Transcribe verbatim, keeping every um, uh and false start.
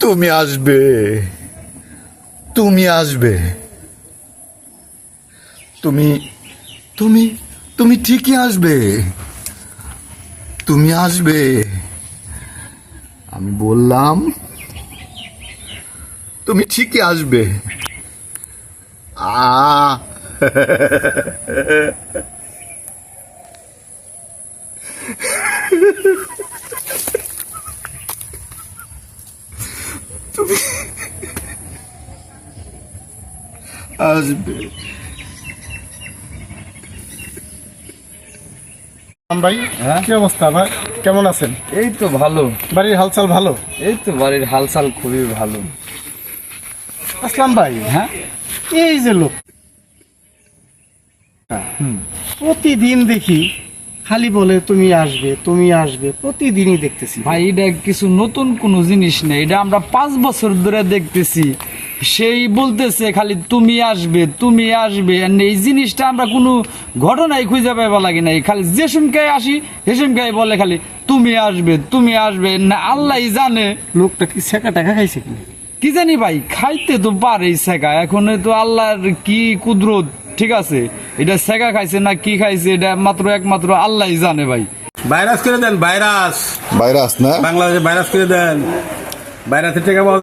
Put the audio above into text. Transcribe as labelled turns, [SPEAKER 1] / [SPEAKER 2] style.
[SPEAKER 1] তুমি আসবে, তুমি আসবে, তুমি তুমি তুমি ঠিকই আসবে, তুমি আসবে। আমি বললাম তুমি ঠিকই আসবে। আ তুমি আসবে।
[SPEAKER 2] ভাই
[SPEAKER 3] হ্যাঁ
[SPEAKER 2] কি অবস্থা ভাই, কেমন আছেন?
[SPEAKER 3] এই তো ভালো।
[SPEAKER 2] বাড়ির হালচাল ভালো?
[SPEAKER 3] এই তো বাড়ির হালচাল খুবই ভালো।
[SPEAKER 2] আসলাম ভাই,
[SPEAKER 3] হ্যাঁ
[SPEAKER 2] এই যে লোক প্রতিদিন দেখি খালি বলে তুমি আসবে তুমি আসবে, প্রতিদিনই দেখতেছি
[SPEAKER 3] ভাই, এটা কিছু নতুন কোনো জিনিস নেই, এটা আমরা পাঁচ বছর ধরে দেখতেছি। সেই বলতেছে খালি তুমি আসবে তুমি আসবে, আর এই জিনিসটা আমরা কোনো ঘটনায় খুঁজে পাইবা লাগে নাই। খালি যে সুমকায় আসি সে সুমকায় বলে খালি তুমি আসবে তুমি আসবে, না আল্লাহ জানে
[SPEAKER 2] লোকটা কি ছেঁকা টাকা খাইছে কি?
[SPEAKER 3] কি জানি ভাই, খাইতে তো পারেই শেখা, এখন তো আল্লাহর কি কুদরত। ঠিক আছে, এটা শেখা খাইছে না কি খাইছে এটা মাত্র একমাত্র আল্লাহ জানে ভাই।
[SPEAKER 4] ভাইরাস করে দেন, ভাইরাস
[SPEAKER 1] ভাইরাস না?
[SPEAKER 4] বাংলাদেশে ভাইরাস করে দেন, ভাইরাসের টাকা পাওয়া